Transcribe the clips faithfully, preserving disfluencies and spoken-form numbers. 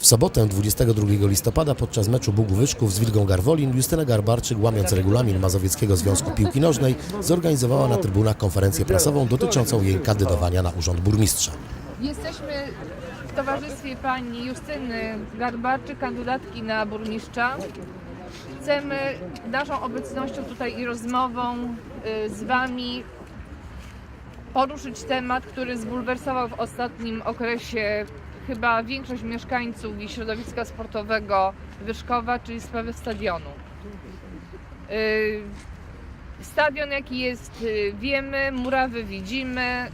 W sobotę dwudziestego drugiego listopada podczas meczu Bugów-Wyczków z Wilgą Garwolin Justyna Garbarczyk, łamiąc regulamin Mazowieckiego Związku Piłki Nożnej, zorganizowała na trybunach konferencję prasową dotyczącą jej kandydowania na urząd burmistrza. Jesteśmy w towarzystwie pani Justyny Garbarczyk, kandydatki na burmistrza. Chcemy naszą obecnością tutaj i rozmową z wami poruszyć temat, który zbulwersował w ostatnim okresie chyba większość mieszkańców i środowiska sportowego Wyszkowa, czyli sprawę stadionu. Stadion jaki jest, wiemy, murawy widzimy,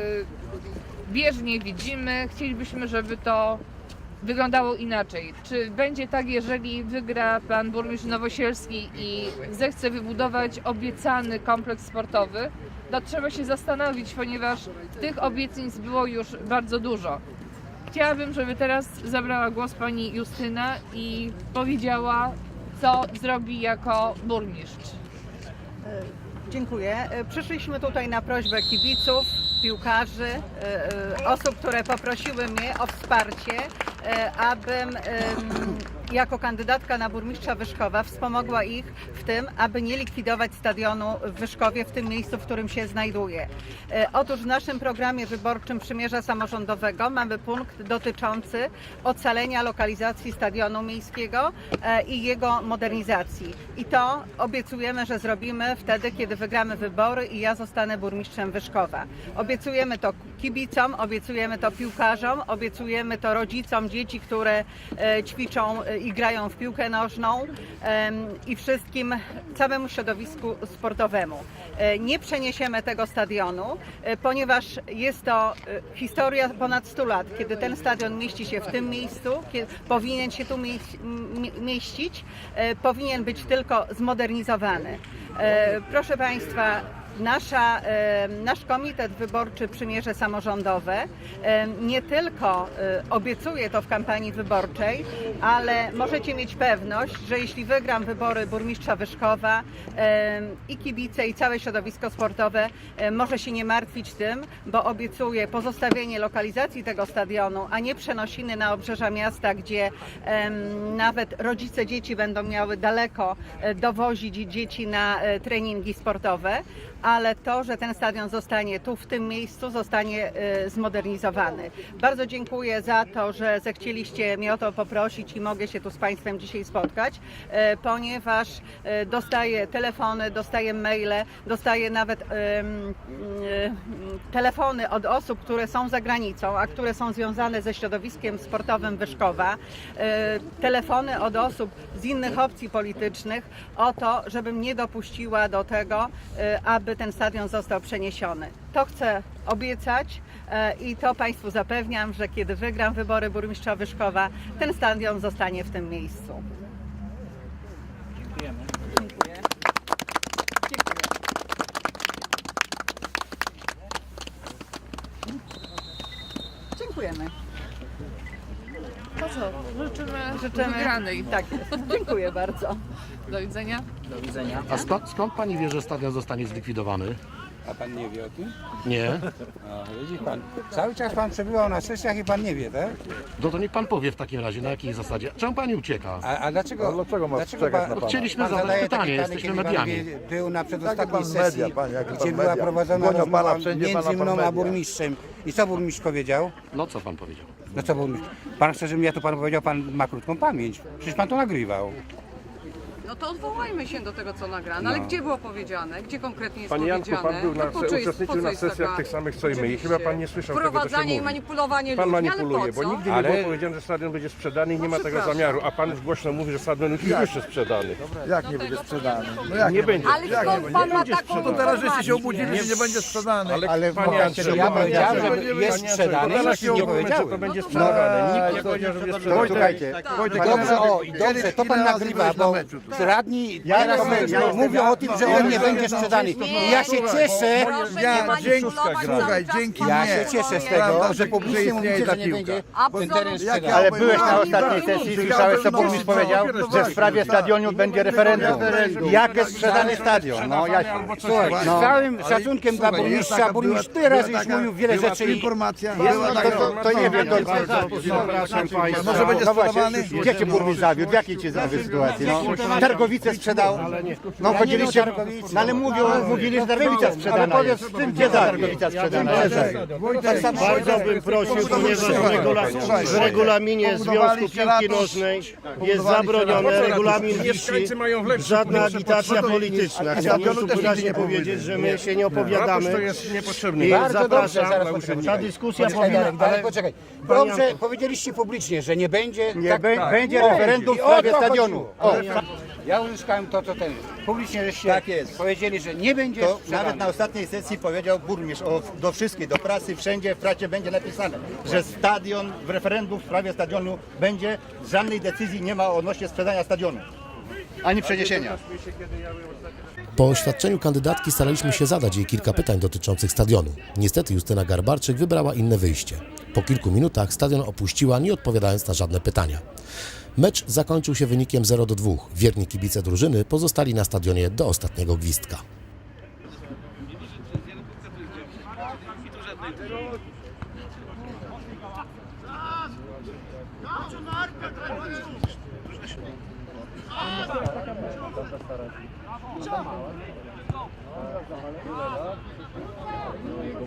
bieżnie widzimy. Chcielibyśmy, żeby to wyglądało inaczej. Czy będzie tak, jeżeli wygra pan burmistrz Nowosielski i zechce wybudować obiecany kompleks sportowy? To trzeba się zastanowić, ponieważ tych obietnic było już bardzo dużo. Chciałabym, żeby teraz zabrała głos pani Justyna i powiedziała, co zrobi jako burmistrz. Dziękuję. Przyszliśmy tutaj na prośbę kibiców, piłkarzy, osób, które poprosiły mnie o wsparcie, abym jako kandydatka na burmistrza Wyszkowa wspomogła ich w tym, aby nie likwidować stadionu w Wyszkowie, w tym miejscu, w którym się znajduje. Otóż w naszym programie wyborczym Przymierza Samorządowego mamy punkt dotyczący ocalenia lokalizacji stadionu miejskiego i jego modernizacji. I to obiecujemy, że zrobimy wtedy, kiedy wygramy wybory i ja zostanę burmistrzem Wyszkowa. Obiecujemy to kibicom, obiecujemy to piłkarzom, obiecujemy to rodzicom dzieci, które ćwiczą i grają w piłkę nożną i wszystkim, całemu środowisku sportowemu. Nie przeniesiemy tego stadionu, ponieważ jest to historia ponad stu lat, kiedy ten stadion mieści się w tym miejscu, kiedy powinien się tu mieścić, powinien być tylko zmodernizowany. Proszę Państwa, Nasza, nasz komitet wyborczy Przymierze Samorządowe nie tylko obiecuje to w kampanii wyborczej, ale możecie mieć pewność, że jeśli wygram wybory burmistrza Wyszkowa, i kibice, i całe środowisko sportowe może się nie martwić tym, bo obiecuję pozostawienie lokalizacji tego stadionu, a nie przenosiny na obrzeża miasta, gdzie nawet rodzice dzieci będą miały daleko dowozić dzieci na treningi sportowe, ale to, że ten stadion zostanie tu, w tym miejscu, zostanie zmodernizowany. Bardzo dziękuję za to, że zechcieliście mnie o to poprosić i mogę się tu z Państwem dzisiaj spotkać, ponieważ dostaję telefony, dostaję maile, dostaję nawet telefony od osób, które są za granicą, a które są związane ze środowiskiem sportowym Wyszkowa, telefony od osób z innych opcji politycznych o to, żebym nie dopuściła do tego, aby ten stadion został przeniesiony. To chcę obiecać i to Państwu zapewniam, że kiedy wygram wybory burmistrza Wyszkowa, ten stadion zostanie w tym miejscu. Dziękujemy. Dziękuję. Dziękuję. Dziękujemy. To co? Życzymy, Życzymy wygranej. Tak jest. Dziękuję bardzo. Do widzenia. Do widzenia. A skąd, skąd pani wie, że stadion zostanie zlikwidowany? A pan nie wie o tym? Nie? A, widzi pan. Cały czas pan przebywał na sesjach i pan nie wie, tak? No to niech pan powie w takim razie, na jakiej zasadzie. Czemu pani ucieka? A, a dlaczego, A dlaczego ma czekać pan, na pana? Chcieliśmy pan zadać zadaje pytanie, takie pytanie, jesteśmy kiedy pan mediami. wie- był na Jaki przedostatniej pan sesji, media, panie, jaki gdzie pan była media? prowadzona Gonią rozmowa pana wszędzie, między pana pan mną a media. burmistrzem. I co burmistrz powiedział? No co pan powiedział? No co burmistrz? Pan chce, żebym ja to panu powiedział, pan ma krótką pamięć. Przecież pan to nagrywał. No to odwołajmy się do tego, co nagrano. Ale No. gdzie było powiedziane? Gdzie konkretnie jest Panie Janku, powiedziane? pan był na, To po co jest- uczestniczył po co na jest sesjach taka- tych samych co i my i Oczywiście. chyba pan nie słyszał tego, co się Wprowadzanie i mówi. manipulowanie Pan ludźmi, manipuluje, ale po bo co? nigdy nie Ale- było powiedziane, że stadion będzie sprzedany i nie ma tego przepraszam. zamiaru, a pan głośno mówi, że stadion już jest jeszcze sprzedany. Jak nie będzie sprzedany? No jak Nie będzie. Ale skąd pan ma taką To teraz żeście się informację? obudzili, że nie będzie sprzedany. Ale, Ale panie pokażcie, Andrzeju, że ja panie powiedziałem, Andrzeju, że panie jest Andrzeju, sprzedany, to teraz nic nie nie powiemy, co to powiedziałem. będzie No to- sprzedane. No, Nikt nie to- powiedział, że będzie to- sprzedane. Wojtek, Słuchajcie, Wojtek, dobrze, ile razy- o, i dobrze, to pan ile razy nagrywa, byłeś na bo meczu tu? radni teraz mówią o tym, że on nie będzie sprzedany. I ja się cieszę, Proszę Ja, nie dzięki, manipulować słuchaj, cały dzięki czas. ja mnie. się cieszę z tego, Prawda, że że publicznie istnieje mówicie, ta że nie piłka. będzie Absolutnie. teren Jak sprzedany. ja Ale powiem, byłeś na no, ostatniej no, sesji, no, słyszałeś, co no, burmistrz no, powiedział, no, że w sprawie stadionu będzie referendum. Jak jest sprzedany stadion? No, ja, Słuchaj, z no. całym Ale szacunkiem dla słuchaj, jest burmistrza, taka- burmistrz była- tyle razy była już taka- mówił wiele była rzeczy tu i informacja, jest, była to, taka- to, to nie wiem, to, Może będzie no właśnie, sprzedawany? gdzie cię burmistrz zawiódł, w jakiej cię zawiódł sytuacji? No, Targowice sprzedał, no chodziliście, no ale mówią, mówili, że Targowica sprzedana jest. Gdzie ta Targowica sprzedana jest? Bardzo bym prosił, ponieważ w, regula w regulaminie Związku Piłki Nożnej jest zabronione, regulamin wisi, Mieszkańcy mają w lepszym żadna proszę agitacja pana. polityczna. Chciałbym tu wyraźnie powiedzieć, że my się nie Ratusz opowiadamy. to jest niepotrzebny. I Bardzo dobrze, zapraszam, zaraz poczekaj. ta dyskusja Poczekaj, powinna... Darek, ale poczekaj. Dobrze, powiedzieliście publicznie, że nie będzie... Nie, tak, be, będzie O, referendum w i o sprawie to stadionu. O, chodziło. Ja uzyskałem to, co ten. Publicznie żeście Tak jest. powiedzieli, że nie będzie to sprzedany. nawet na ostatniej sesji powiedział burmistrz o, do wszystkich, do prasy, wszędzie w pracie będzie napisane, że stadion, w referendum w sprawie stadionu będzie, żadnej decyzji nie ma odnośnie sprzedania stadionu, ani przeniesienia. Po oświadczeniu kandydatki staraliśmy się zadać jej kilka pytań dotyczących stadionu. Niestety Justyna Garbarczyk wybrała inne wyjście. Po kilku minutach stadion opuściła, nie odpowiadając na żadne pytania. Mecz zakończył się wynikiem zero do dwóch. Wierni kibice drużyny pozostali na stadionie do ostatniego gwizdka.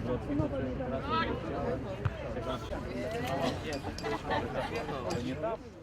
Nie